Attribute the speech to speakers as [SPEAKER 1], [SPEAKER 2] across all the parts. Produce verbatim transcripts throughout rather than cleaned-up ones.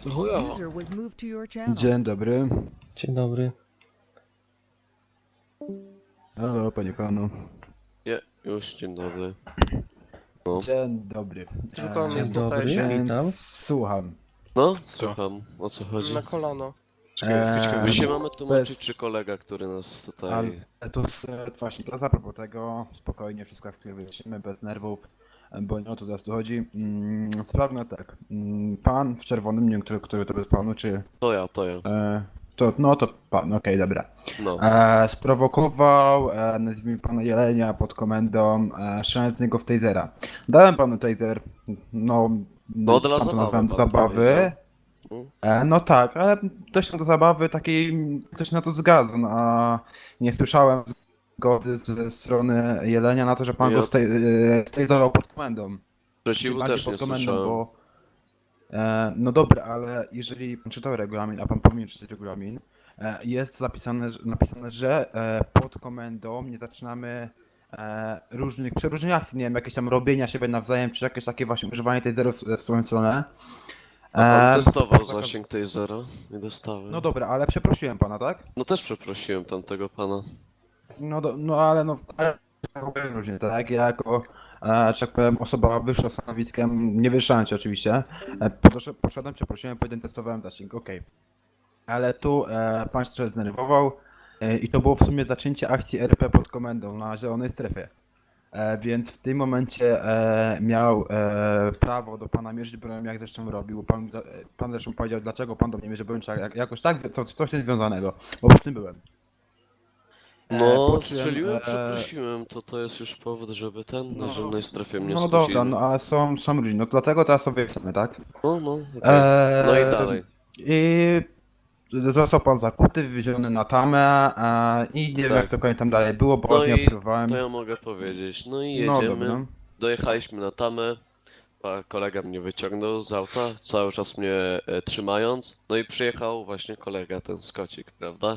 [SPEAKER 1] Chuja.
[SPEAKER 2] User was moved to your channel.
[SPEAKER 3] Dzień dobry.
[SPEAKER 4] Dzień dobry.
[SPEAKER 3] Halo, panie panu.
[SPEAKER 5] Nie, już dzień dobry. No.
[SPEAKER 3] Dzień dobry.
[SPEAKER 1] Tylko
[SPEAKER 4] Dzień
[SPEAKER 1] jest
[SPEAKER 4] dobry,
[SPEAKER 1] tutaj
[SPEAKER 3] więc
[SPEAKER 4] witam.
[SPEAKER 3] słucham.
[SPEAKER 5] No, słucham, o co chodzi?
[SPEAKER 1] na kolano.
[SPEAKER 3] Eee,
[SPEAKER 5] My się mamy tłumaczyć,
[SPEAKER 3] bez-
[SPEAKER 5] czy kolega, który nas tutaj...
[SPEAKER 3] Ale to s- właśnie, to a propos tego, spokojnie, wszystko w których wyjaśnimy, bez nerwów, bo nie o to teraz tu chodzi. Mm, Sprawmy tak, mm, pan w czerwonym, nie wiem, który, który to jest panu, czy...
[SPEAKER 5] To ja, to ja.
[SPEAKER 3] E, to, no to pan, okej, dobra.
[SPEAKER 5] No.
[SPEAKER 3] E, sprowokował, e, nazwijmy pana Jelenia pod komendą, e, strzelając z niego w tasera. Dałem panu taser, no...
[SPEAKER 5] No, dla
[SPEAKER 3] sam to
[SPEAKER 5] zabawy
[SPEAKER 3] nazwałem
[SPEAKER 5] pan
[SPEAKER 3] zabawy.
[SPEAKER 5] powiedział. Mm.
[SPEAKER 3] E, No tak, ale też do zabawy takiej, też na to zgadza, no, a nie słyszałem zgody ze strony Jelenia na to, że pan
[SPEAKER 5] Ja-
[SPEAKER 3] go stabilizował pod komendą.
[SPEAKER 5] Sprzeciwu
[SPEAKER 3] Bardziej
[SPEAKER 5] też nie
[SPEAKER 3] pod komendą,
[SPEAKER 5] słyszałem.
[SPEAKER 3] bo... E, no dobra, ale jeżeli pan czytał regulamin, a pan powinien czytać regulamin, e, jest zapisane, że- napisane, że e, pod komendą nie zaczynamy e, różnych przeróżnych akcji, nie wiem, jakieś tam robienia siebie nawzajem, czy jakieś takie właśnie używanie tej zero w, w swoją stronę.
[SPEAKER 5] A pan
[SPEAKER 3] E,
[SPEAKER 5] testował
[SPEAKER 3] zakaz-
[SPEAKER 5] zasięg tej zera? Nie dostałem.
[SPEAKER 3] No dobra, ale przeprosiłem pana, tak?
[SPEAKER 5] No też przeprosiłem tamtego pana.
[SPEAKER 3] No, do, no ale no, ale różnie, tak? Ja jako, e, że tak powiem, osoba wyższa stanowiskiem, nie wyższałem cię oczywiście, e, podoszedłem- poszedłem, przeprosiłem, potem testowałem zasięg, okej. Ale tu e, pan się trochę zdenerwował e, i to było w sumie zaczęcie akcji R P pod komendą na zielonej strefie. E, więc w tym momencie e, miał e, prawo do pana mierzyć broń, jak zresztą robił. Pan, e, pan zresztą powiedział, dlaczego pan do mnie mierzy broń, czy jak, jakoś tak, co, coś niezwiązanego, bo przy tym byłem. E,
[SPEAKER 5] No,
[SPEAKER 3] po czym,
[SPEAKER 5] strzeliłem,
[SPEAKER 3] e,
[SPEAKER 5] przeprosiłem, to to jest już powód, żeby ten na
[SPEAKER 3] No,
[SPEAKER 5] zielonej strefie mnie
[SPEAKER 3] No
[SPEAKER 5] skłócili.
[SPEAKER 3] dobra, no ale są, są różni, no dlatego teraz sobie chcemy, tak?
[SPEAKER 5] No, no, okej.
[SPEAKER 3] Eee,
[SPEAKER 5] No i dalej.
[SPEAKER 3] I został pan zakuty, wywieziony na tamę e, i nie wiem
[SPEAKER 5] Tak.
[SPEAKER 3] jak to konie tam dalej było, bo
[SPEAKER 5] No
[SPEAKER 3] nie
[SPEAKER 5] i
[SPEAKER 3] obserwowałem.
[SPEAKER 5] to ja mogę powiedzieć. No i
[SPEAKER 3] No
[SPEAKER 5] jedziemy.
[SPEAKER 3] dobra.
[SPEAKER 5] Dojechaliśmy na tamę. a Kolega mnie wyciągnął z auta, cały czas mnie e, trzymając. No i przyjechał właśnie kolega, ten Skocik, prawda?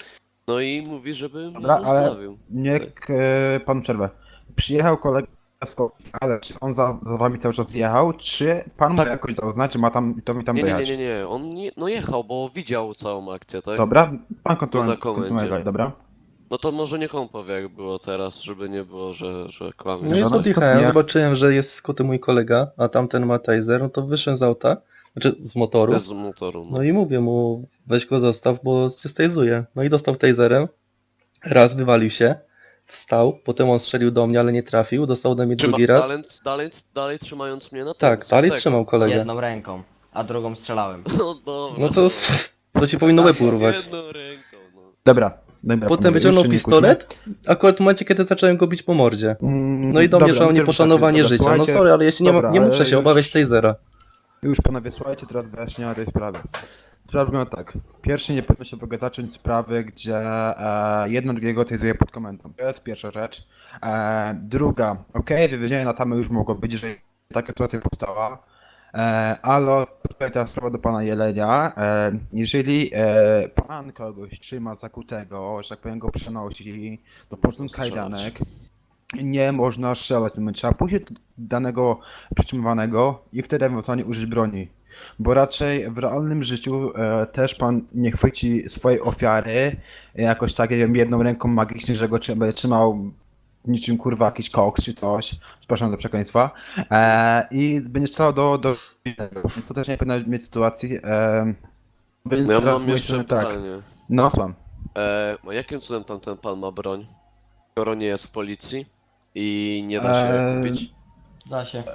[SPEAKER 5] No i mówi, żeby mnie
[SPEAKER 3] Dobra, ale
[SPEAKER 5] zostawił.
[SPEAKER 3] niech e, pan przerwę. Przyjechał kolega z Ko- ale czy on za, za wami cały czas jechał, czy pan mu
[SPEAKER 5] Tak.
[SPEAKER 3] jakoś dał znać, czy ma tam, to mi tam
[SPEAKER 5] Nie, nie, nie,
[SPEAKER 3] dojechać?
[SPEAKER 5] nie, nie, on nie, no jechał, bo widział całą akcję, tak?
[SPEAKER 3] Dobra, pan
[SPEAKER 5] na
[SPEAKER 3] kontynuuje,
[SPEAKER 5] komendzie.
[SPEAKER 3] kontynuuje, dobra?
[SPEAKER 5] No to może niech on powie, jak było teraz, żeby nie było, że, że kłamie.
[SPEAKER 4] No i
[SPEAKER 3] No, no,
[SPEAKER 4] podjechałem,
[SPEAKER 3] ja-
[SPEAKER 4] zobaczyłem, że jest skuty mój kolega, a tamten ma taser, no to wyszedłem z auta, znaczy z motoru.
[SPEAKER 5] Bez motoru, no.
[SPEAKER 4] No i mówię mu, weź go zostaw, bo cię stajzuje. No i dostał taserem, raz wywalił się, wstał, potem on strzelił do mnie, ale nie trafił, dostał ode mnie
[SPEAKER 5] Trzyma,
[SPEAKER 4] drugi raz.
[SPEAKER 5] dalej, dalej, dalej trzymając mnie na tym,
[SPEAKER 4] Tak, dalej
[SPEAKER 5] tak.
[SPEAKER 4] trzymał kolegę.
[SPEAKER 6] Jedną ręką, a drugą strzelałem.
[SPEAKER 5] No dobra.
[SPEAKER 4] No to, to ci powinno łeb urwać.
[SPEAKER 5] Jedną ręką, no.
[SPEAKER 3] Dobra, dobra.
[SPEAKER 4] Potem
[SPEAKER 3] panowie,
[SPEAKER 4] wyciągnął
[SPEAKER 3] już się nie
[SPEAKER 4] pistolet, akurat w momencie, kiedy zacząłem go bić po mordzie.
[SPEAKER 3] kłóćmy. Mm,
[SPEAKER 4] No i do mnie,
[SPEAKER 3] dobra,
[SPEAKER 4] że o
[SPEAKER 3] no to
[SPEAKER 4] nieposzanowanie
[SPEAKER 3] wystarczy.
[SPEAKER 4] życia.
[SPEAKER 3] Dobra,
[SPEAKER 4] No
[SPEAKER 3] słuchajcie,
[SPEAKER 4] sorry, ale jeśli nie,
[SPEAKER 3] dobra,
[SPEAKER 4] nie muszę
[SPEAKER 3] ale
[SPEAKER 4] się
[SPEAKER 3] już-
[SPEAKER 4] obawiać tasera.
[SPEAKER 3] Już panowie, słuchajcie, teraz wyjaśnienia tej sprawy. Sprawa wygląda tak. Pierwszy nie powinno się w ogóle zacząć sprawy, gdzie e, jedno drugiego tezuje pod komendą. To jest pierwsza rzecz. E, druga, okej, wywiezienie na tamę już mogło być, że taka sytuacja powstała. E, ale tutaj teraz sprawa do pana Jelenia. E, jeżeli e, pan kogoś trzyma zakutego, że tak powiem go przenosi do porządku
[SPEAKER 5] Strzelać.
[SPEAKER 3] kajdanek, nie można strzelać, no, trzeba pójść do danego przytrzymywanego i wtedy ewentualnie użyć broni. Bo raczej w realnym życiu e, też pan nie chwyci swojej ofiary e, jakoś tak, nie wiem, jedną ręką magicznie, że go trzyma, będzie trzymał niczym kurwa jakiś koks czy coś, przepraszam za przekleństwa, e, i będzie strzelał do, do więc to też nie powinno mieć sytuacji. E, więc
[SPEAKER 5] No ja
[SPEAKER 3] teraz
[SPEAKER 5] mam
[SPEAKER 3] z mojej
[SPEAKER 5] jeszcze
[SPEAKER 3] strony tak,
[SPEAKER 5] pytanie.
[SPEAKER 3] no słucham.
[SPEAKER 5] E, a jakim cudem tamten pan ma broń? Skoro nie jest w policji i nie da się
[SPEAKER 3] Eee,
[SPEAKER 5] kupić?
[SPEAKER 6] Da się.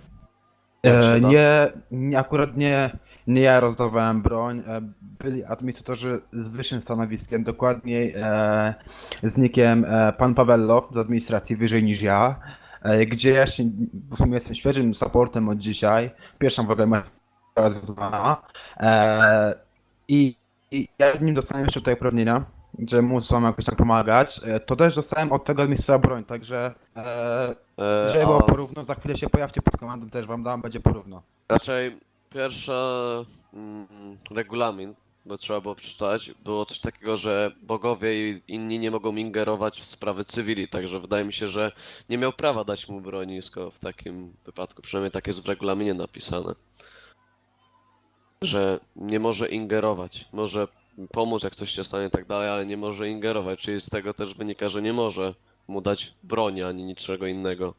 [SPEAKER 5] Jak się
[SPEAKER 3] E,
[SPEAKER 5] da?
[SPEAKER 3] nie, nie, akurat nie, nie ja rozdawałem broń, e, byli administratorzy z wyższym stanowiskiem, dokładniej e, z nickiem e, pan Pawello z administracji wyżej niż ja, e, gdzie ja się, w sumie jestem świeżym supportem od dzisiaj, pierwsza w ogóle moja sprawa związana e, i, i ja nim dostałem jeszcze tutaj uprawnienia, że muszę wam jakoś tak pomagać, e, to też dostałem od tego administratora broń, także e,
[SPEAKER 5] E,
[SPEAKER 3] żeby było
[SPEAKER 5] a
[SPEAKER 3] porówno, za chwilę się pojawcie pod komandą, też wam dam, będzie porówno.
[SPEAKER 5] raczej pierwsza mm, regulamin, bo trzeba było przeczytać, było coś takiego, że bogowie i inni nie mogą ingerować w sprawy cywili, także wydaje mi się, że nie miał prawa dać mu broni skoro w takim wypadku, przynajmniej tak jest w regulaminie napisane. że nie może ingerować. Może pomóc, jak coś się stanie i tak dalej, ale nie może ingerować. Czyli z tego też wynika, że nie może mu dać broni ani niczego innego.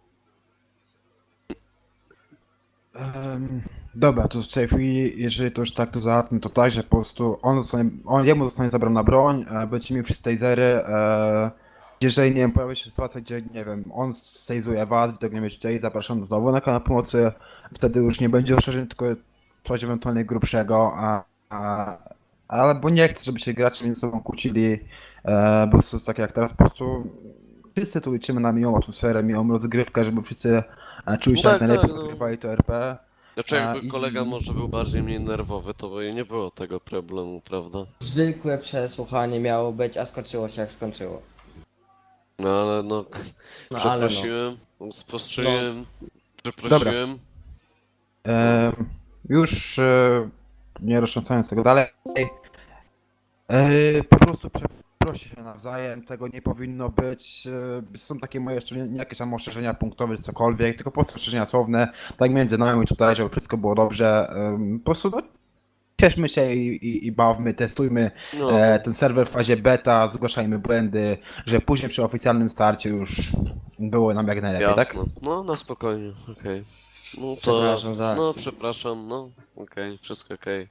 [SPEAKER 3] Em, dobra, to w tej chwili, jeżeli to już tak to załatwmy, to tak, że po prostu on zostanie, on, jemu zostanie zabrana broń, e, będzie miał wszystkie tasery, e, jeżeli, nie wiem, pojawi się sytuacja, gdzie, nie wiem, on stazuje was, wy tego nie będziecie chcieli, zapraszam znowu na kanał pomocy, wtedy już nie będzie ostrzeżeń, tylko coś ewentualnie grubszego, a, a, ale bo nie chcę, żeby się gracze między sobą kłócili, e, bo to jest tak jak teraz, po prostu wszyscy tu liczymy na miłą atmosferę, miłą rozgrywkę, żeby wszyscy e, czuli się
[SPEAKER 5] No
[SPEAKER 3] jak
[SPEAKER 5] tak,
[SPEAKER 3] najlepiej,
[SPEAKER 5] tak, no.
[SPEAKER 3] podgrywali to R P.
[SPEAKER 5] Znaczy
[SPEAKER 3] A,
[SPEAKER 5] jakby
[SPEAKER 3] i-
[SPEAKER 5] kolega może był bardziej mniej nerwowy, to by nie było tego problemu, prawda?
[SPEAKER 6] Zwykłe przesłuchanie miało być, a skończyło się jak skończyło.
[SPEAKER 5] No ale no,
[SPEAKER 6] No ale no.
[SPEAKER 5] przeprosiłem, spostrzegłem,
[SPEAKER 3] Dobra.
[SPEAKER 5] przeprosiłem.
[SPEAKER 3] E, już e, nie roztrząsając tego dalej, e, po prostu przeprosi się nawzajem, tego nie powinno być. E, są takie moje jeszcze nie, nie jakieś tam ostrzeżenia punktowe czy cokolwiek, tylko po prostu ostrzeżenia słowne, tak między nami tutaj, żeby wszystko było dobrze. E, po prostu no, cieszmy się i, i, i bawmy, testujmy
[SPEAKER 5] No,
[SPEAKER 3] e, ten serwer w fazie beta, zgłaszajmy błędy, że później przy oficjalnym starcie już było nam jak najlepiej, tak?
[SPEAKER 5] jasno. No, na spokojnie, okej. No to,
[SPEAKER 6] Przepraszam za
[SPEAKER 5] no
[SPEAKER 6] akcję.
[SPEAKER 5] przepraszam, no, okej, wszystko okej.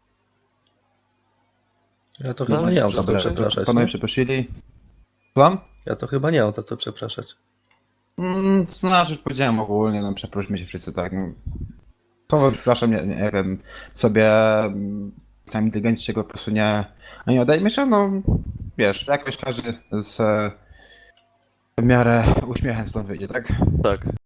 [SPEAKER 4] Ja to
[SPEAKER 5] No,
[SPEAKER 4] chyba nie mam za co
[SPEAKER 5] dobra.
[SPEAKER 4] przepraszać.
[SPEAKER 3] Panowie
[SPEAKER 4] Nie?
[SPEAKER 3] przeprosili. Słucham?
[SPEAKER 4] Ja to chyba nie mam za co przepraszać.
[SPEAKER 3] Mm, znaczy, powiedziałem ogólnie, no przeprośmy się wszyscy, tak. No. To przepraszam, nie, nie wiem, sobie mm, tam inteligencji się go po prostu nie, nie odejmie się, no wiesz, jakoś każdy z e, w miarę uśmiechem stąd wyjdzie, tak?
[SPEAKER 5] Tak.